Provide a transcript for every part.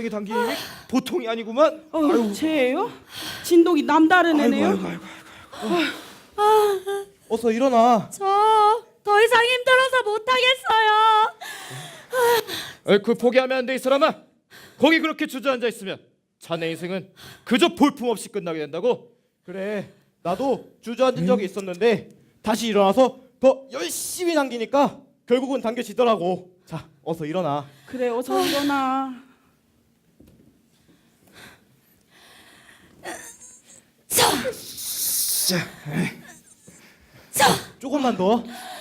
학생이 당기는 힘이 보통이 아니구만. 쟤예요? 진동이 남다른 애네요. 어서 일어나. 저 더 이상 힘들어서 못하겠어요. 그 포기하면 안 돼 이 사람아. 거기 그렇게 주저앉아 있으면 자네 인생은 그저 볼품없이 끝나게 된다고. 그래, 나도 주저앉은 적이 있었는데 다시 일어나서 더 열심히 당기니까 결국은 당겨지더라고. 자, 어서 일어나. 그래, 어서 일어나. 조금만 더.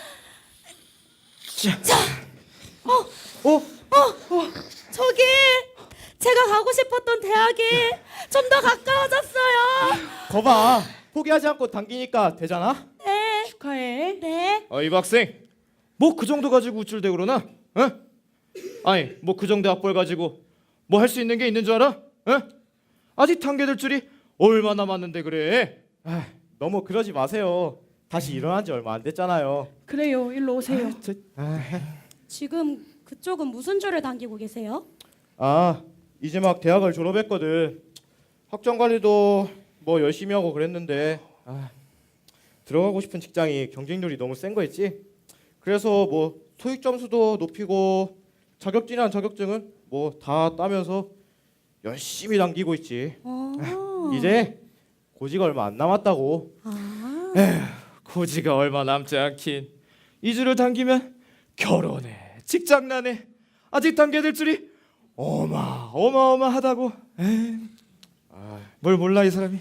저기 제가 가고 싶었던 대학이 좀 더 가까워졌어요. 거봐, 포기하지 않고 당기니까 되잖아. 네. 축하해. 네. 이 학생 뭐 그 정도 가지고 우쭐대고 그러나? 어? 아니 뭐 그 정도 학벌 가지고 뭐 할 수 있는 게 있는 줄 알아? 어? 아직 당겨들 줄이 얼마 남았는데 그래. 너무 그러지 마세요. 다시 일어난 지 얼마 안 됐잖아요. 그래요, 일로 오세요. 지금 그쪽은 무슨 줄을 당기고 계세요? 이제 막 대학을 졸업했거든. 학점 관리도 뭐 열심히 하고 그랬는데 들어가고 싶은 직장이 경쟁률이 너무 센 거 있지. 그래서 뭐 토익 점수도 높이고 자격증이란 자격증은 뭐 다 따면서 열심히 당기고 있지. 이제 고지가 얼마 안 남았다고. 고지가 얼마 남지 않긴. 이 줄을 당기면 결혼해, 직장난해. 아직 당겨들 줄이 어마어마하다고. 뭘 몰라 이 사람이.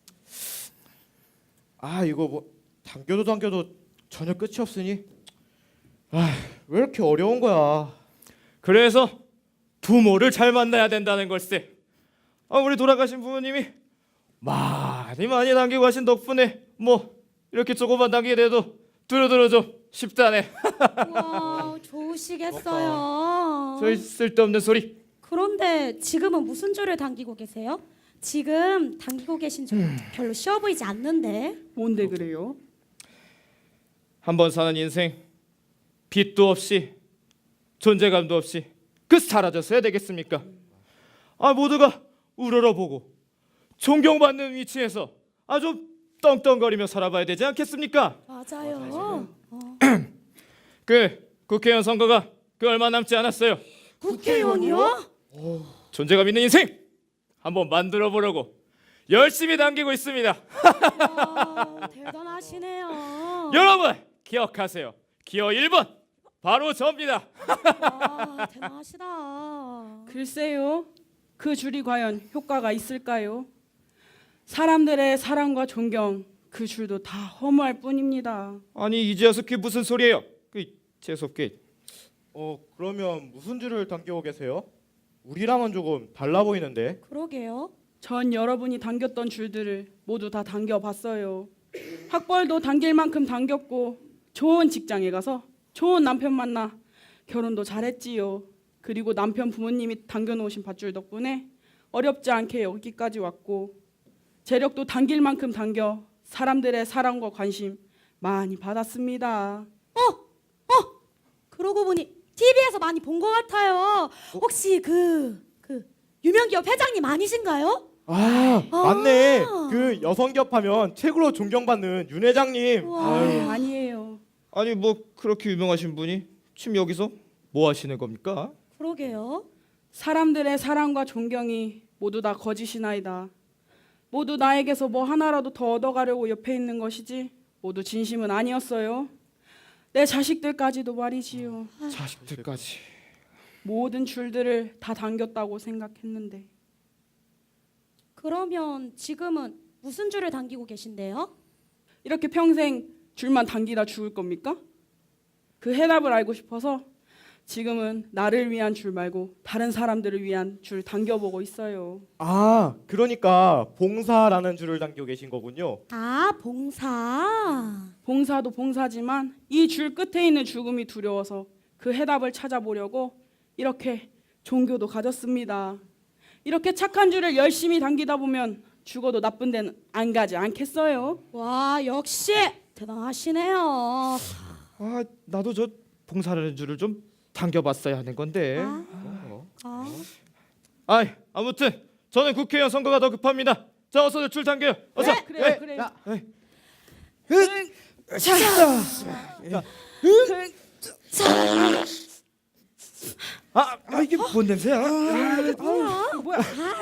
이거 뭐 당겨도 전혀 끝이 없으니 왜 이렇게 어려운 거야. 그래서 부모를 잘 만나야 된다는 걸세. 우리 돌아가신 부모님이 많이 당기고 하신 덕분에 뭐 이렇게 조금만 당기게 돼도 두루두루 좀 쉽다네. 와, 좋으시겠어요. 저 쓸데없는 소리. 그런데 지금은 무슨 줄을 당기고 계세요? 지금 당기고 계신 줄 별로 쉬워 보이지 않는데. 뭔데 그래요? 한 번 사는 인생 빛도 없이 존재감도 없이 사라졌어야 되겠습니까? 모두가 우러러보고 존경받는 위치에서 좀 떵떵거리며 살아봐야 되지 않겠습니까? 맞아요. 국회의원 선거가 얼마 남지 않았어요. 국회의원이요? 존재감 있는 인생 한번 만들어 보려고 열심히 당기고 있습니다. 와, 대단하시네요. 여러분 기억하세요. 기호 1번 바로 저입니다. 와, 대단하시다. 글쎄요, 그 줄이 과연 효과가 있을까요? 사람들의 사랑과 존경, 그 줄도 다 허무할 뿐입니다. 아니 이제 와서 그게 무슨 소리예요? 재수없게. 그러면 무슨 줄을 당기고 계세요? 우리랑은 조금 달라 보이는데. 그러게요. 전 여러분이 당겼던 줄들을 모두 다 당겨봤어요. 학벌도 당길 만큼 당겼고 좋은 직장에 가서 좋은 남편 만나 결혼도 잘했지요. 그리고 남편 부모님이 당겨놓으신 밧줄 덕분에 어렵지 않게 여기까지 왔고 재력도 당길 만큼 당겨 사람들의 사랑과 관심 많이 받았습니다. 그러고 보니 TV에서 많이 본 것 같아요. 혹시 그 유명기업 회장님 아니신가요? 맞네. 그 여성기업 하면 최고로 존경받는 윤 회장님. 아니에요. 아니 뭐 그렇게 유명하신 분이 지금 여기서 뭐 하시는 겁니까? 그러게요. 사람들의 사랑과 존경이 모두 다 거짓이나이다. 모두 나에게서 뭐 하나라도 더 얻어가려고 옆에 있는 것이지 모두 진심은 아니었어요. 내 자식들까지도 말이지요. 자식들까지. 모든 줄들을 다 당겼다고 생각했는데 그러면 지금은 무슨 줄을 당기고 계신데요? 이렇게 평생 줄만 당기다 죽을 겁니까? 그 해답을 알고 싶어서 지금은 나를 위한 줄 말고 다른 사람들을 위한 줄 당겨보고 있어요. 그러니까 봉사라는 줄을 당기고 계신 거군요. 봉사. 봉사도 봉사지만 이 줄 끝에 있는 죽음이 두려워서 그 해답을 찾아보려고 이렇게 종교도 가졌습니다. 이렇게 착한 줄을 열심히 당기다 보면 죽어도 나쁜 데는 안 가지 않겠어요? 와, 역시 대단하시네요. 나도 저 봉사라는 줄을 좀 당겨봤어야 하는 건데. 아무튼 저는 국회의원 선거가 더 급합니다. 자, 어서들 줄 당겨요. 어서. 네, 그래요, 그래요. 야, 이게 뭔 냄새야? 뭐야?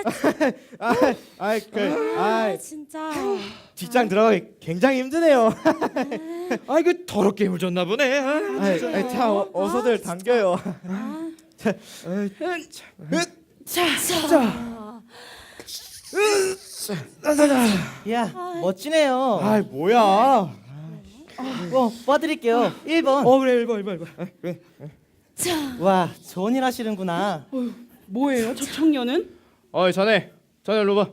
진짜. 직장 들어가기 굉장히 힘드네요. 이거 더럽게 물 줬나 보네. 자, 어서들 당겨요. 야, 멋지네요. 뭐야? 봐드릴게요. 1번. 그래 1번. 그래. 와, 좋은 일 하시는구나. 뭐예요? 저 청년은? 자네 일로 봐.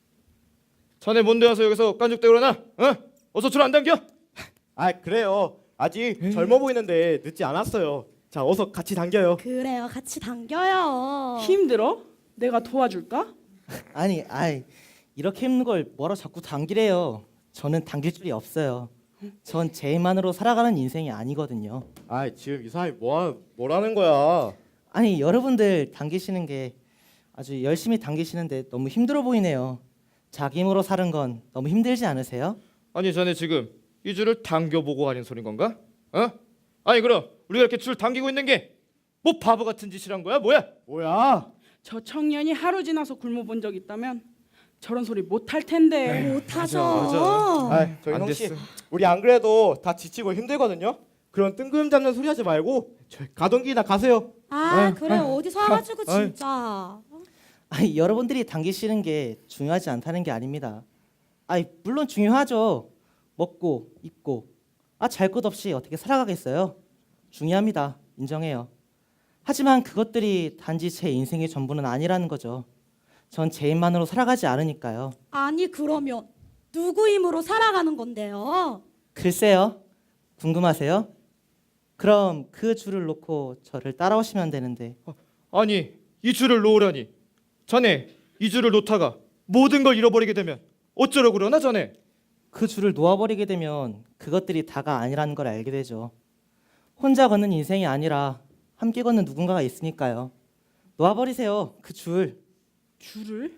자네 뭔데 와서 여기서 깐죽대고 그러나? 어서 줄 안 당겨? 그래요. 아직 젊어 보이는데 늦지 않았어요. 자, 어서 같이 당겨요. 그래요. 같이 당겨요. 힘들어? 내가 도와줄까? 아니, 이렇게 힘든 걸 뭐라 자꾸 당기래요. 저는 당길 줄이 없어요. 전 제 힘만으로 살아가는 인생이 아니거든요. 지금 이 사람이 뭐라는 거야? 아니, 여러분들 당기시는 게 아주 열심히 당기시는데 너무 힘들어 보이네요. 자기 힘으로 사는 건 너무 힘들지 않으세요? 아니 자네 지금 이 줄을 당겨보고 하는 소린 건가? 아니 그럼 우리가 이렇게 줄 당기고 있는 게 뭐 바보 같은 짓이란 거야? 뭐야? 저 청년이 하루 지나서 굶어본 적 있다면 저런 소리 못 할 텐데. 못하죠. 저희 안 형씨, 됐어. 우리 안 그래도 다 지치고 힘들거든요. 그런 뜬금 잡는 소리 하지 말고 가던 길이나 가세요. 그래. 어디서 와가지고 진짜. 아니, 여러분들이 당기시는 게 중요하지 않다는 게 아닙니다. 물론 중요하죠. 먹고 입고 잘 것 없이 어떻게 살아가겠어요? 중요합니다. 인정해요. 하지만 그것들이 단지 제 인생의 전부는 아니라는 거죠. 전 제 힘만으로 살아가지 않으니까요. 아니 그러면 누구 힘으로 살아가는 건데요? 글쎄요. 궁금하세요? 그럼 그 줄을 놓고 저를 따라오시면 되는데. 아니 이 줄을 놓으라니. 자네 이 줄을 놓다가 모든 걸 잃어버리게 되면 어쩌려고 그러나 자네? 그 줄을 놓아버리게 되면 그것들이 다가 아니라는 걸 알게 되죠. 혼자 걷는 인생이 아니라 함께 걷는 누군가가 있으니까요. 놓아버리세요. 그 줄. 줄을?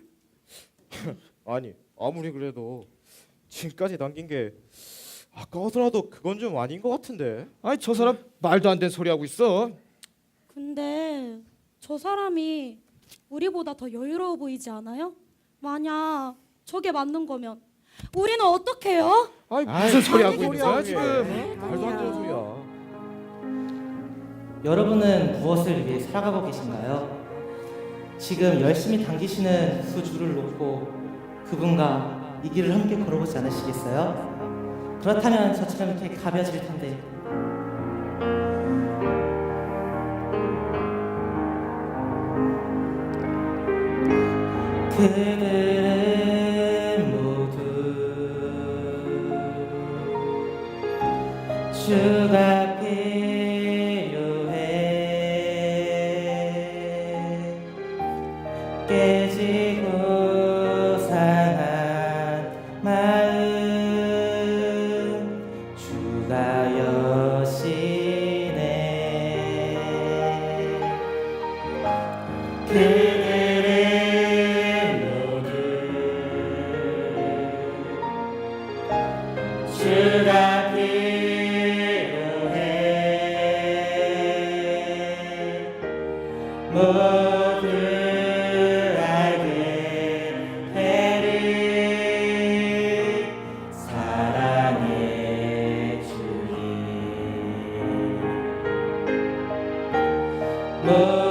아니, 아무리 그래도 지금까지 남긴 게 아까워서라도 그건 좀 아닌 것 같은데. 저 사람 말도 안 되는 소리 하고 있어. 근데 저 사람이 우리보다 더 여유로워 보이지 않아요? 만약 저게 맞는 거면 우리는 어떡해요? 무슨 소리 하고 있는 거야 소리야, 지금? 말도 안 되는 소리야. 여러분은 무엇을 위해 살아가고 계신가요? 지금 열심히 당기시는 그 줄을 놓고 그분과 이 길을 함께 걸어보지 않으시겠어요? 그렇다면 저처럼 이렇게 가벼워질 텐데. 그들은 모두 주가 필요해. 깨지고 상한 마음 주가 여시네. 그들은 모두 주가 필요해. 모두 알게 되리. 사랑의 주님.